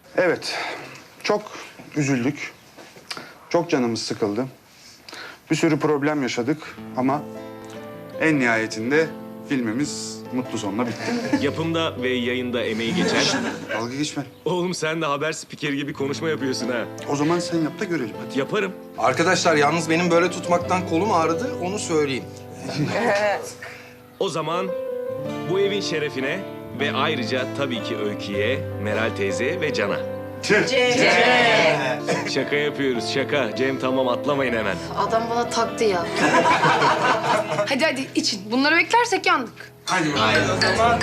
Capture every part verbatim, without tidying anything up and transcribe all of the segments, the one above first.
Evet, çok üzüldük. Çok canımız sıkıldı. Bir sürü problem yaşadık ama en nihayetinde filmimiz mutlu sonla bitti. Yapımda ve yayında emeği geçen... Dalga geçme. Oğlum sen de haber spikeri gibi konuşma yapıyorsun ha. O zaman sen yap da görelim hadi. Yaparım. Arkadaşlar yalnız benim böyle tutmaktan kolum ağrıdı, onu söyleyeyim. O zaman bu evin şerefine ve ayrıca tabii ki Öykü'ye, Meral teyze ve Can'a. Şaka yapıyoruz, şaka. Cem tamam, atlamayın hemen. Adam bana taktı ya. Hadi hadi için. Bunları beklersek yandık. Hadi bakalım.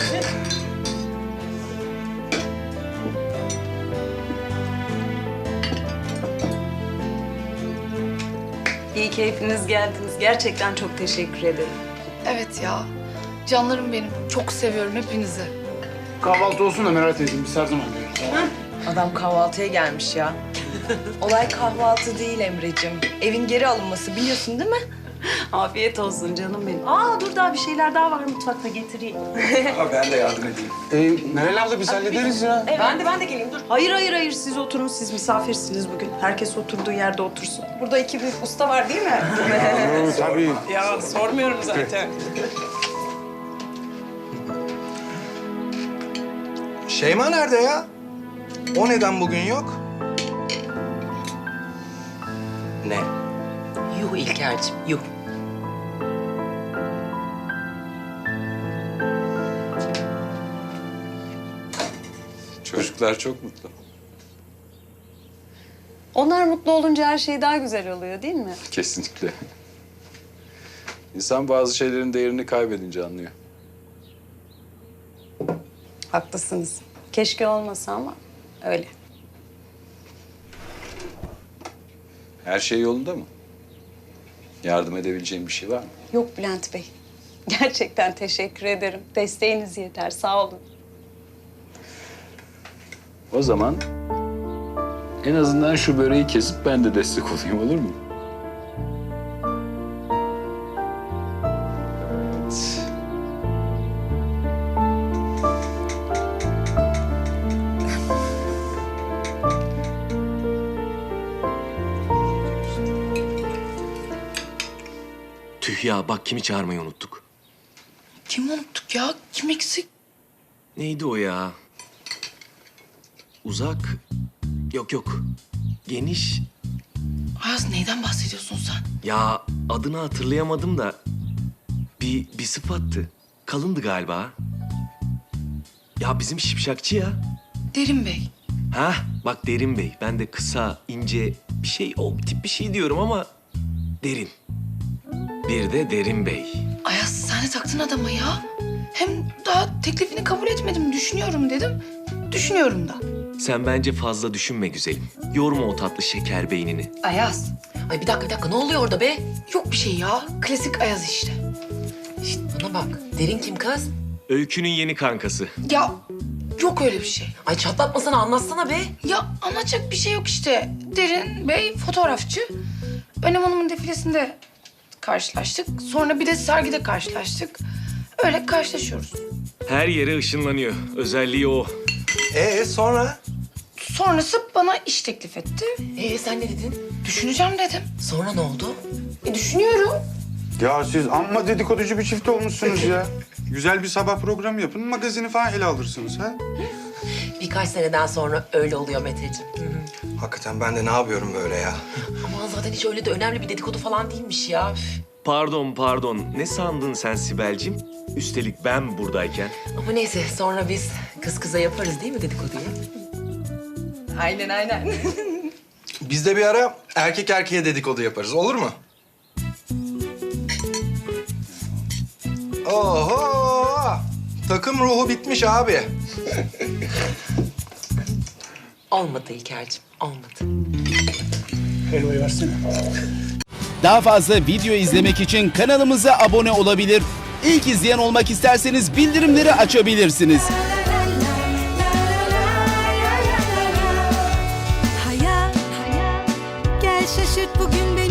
İyi ki hepiniz geldiniz. Gerçekten çok teşekkür ederim. Evet ya. Canlarım benim. Çok seviyorum hepinizi. Kahvaltı olsun da Meral teyzem, biz her zaman görürüz. Adam kahvaltıya gelmiş ya. Olay kahvaltı değil Emre'cim. Evin geri alınması, biliyorsun değil mi? Afiyet olsun canım benim. Aa dur, daha bir şeyler daha var mutfakta, getireyim. Ha, ben de yardım edeyim. Ee, Meral abla biz hallederiz ya. Ben de ben de geleyim dur. Hayır hayır hayır, siz oturun, siz misafirsiniz bugün. Herkes oturduğu yerde otursun. Burada iki büyük usta var değil mi? Oo, tabii. Ya sormuyorum zaten. Şeyma nerede ya? O neden bugün yok? Ne? Yuh İlker'cim, yuh. Çocuklar çok mutlu. Onlar mutlu olunca her şey daha güzel oluyor değil mi? Kesinlikle. İnsan bazı şeylerin değerini kaybedince anlıyor. Haklısınız. Keşke olmasa ama öyle. Her şey yolunda mı? Yardım edebileceğim bir şey var mı? Yok Bülent Bey. Gerçekten teşekkür ederim. Desteğiniz yeter. Sağ olun. O zaman en azından şu böreği kesip ben de destek olayım, olur mu? Evet. Tüh ya, bak kimi çağırmayı unuttuk. Kim unuttuk ya? Kim eksik? Neydi o ya? Uzak. Yok yok. Geniş. Ayaz neyden bahsediyorsun sen? Ya adını hatırlayamadım da bir, bir sıfattı. Kalındı galiba. Ya bizim şipşakçı ya. Derin Bey. Ha, bak Derin Bey. Ben de kısa, ince bir şey, o tip bir şey diyorum ama derin. Bir de Derin Bey. Ayaz sen de taktın adama ya. Hem daha teklifini kabul etmedim. Düşünüyorum dedim. Düşünüyorum da. Sen bence fazla düşünme güzelim. Yorma o tatlı şeker beynini. Ayaz. Ay bir dakika bir dakika, ne oluyor orada be? Yok bir şey ya. Klasik Ayaz işte. Şişt, bana bak. Derin kim kız? Öykünün yeni kankası. Ya yok öyle bir şey. Ay çatlatmasana, anlatsana be. Ya anlatacak bir şey yok işte. Derin Bey fotoğrafçı. Önem Hanım'ın defilesinde karşılaştık. Sonra bir de sergide karşılaştık. Öyle karşılaşıyoruz. Her yere ışınlanıyor. Özelliği o. Ee sonra? Sonrası bana iş teklif etti. Ee sen ne dedin? Düşüneceğim dedim. Sonra ne oldu? E, düşünüyorum. Ya siz amma dedikoducu bir çift olmuşsunuz ya. Güzel bir sabah programı yapın, magazini falan ele alırsınız ha. Birkaç seneden sonra öyle oluyor Meteciğim. Hı hı. Hakikaten ben de ne yapıyorum böyle ya? Aman zaten hiç öyle de önemli bir dedikodu falan değilmiş ya. Üf. Pardon pardon. Ne sandın sen Sibel'cim? Üstelik ben buradayken. Ama neyse, sonra biz kız kıza yaparız değil mi dedikoduyu? Aynen aynen. Biz de bir ara erkek erkeğe dedikodu yaparız, olur mu? Oho! Takım ruhu bitmiş abi. Olmadı İlker'cim, olmadı. Daha fazla video izlemek için kanalımıza abone olabilir. İlk izleyen olmak isterseniz bildirimleri açabilirsiniz. Hayat, gel şaşırt bugün beni.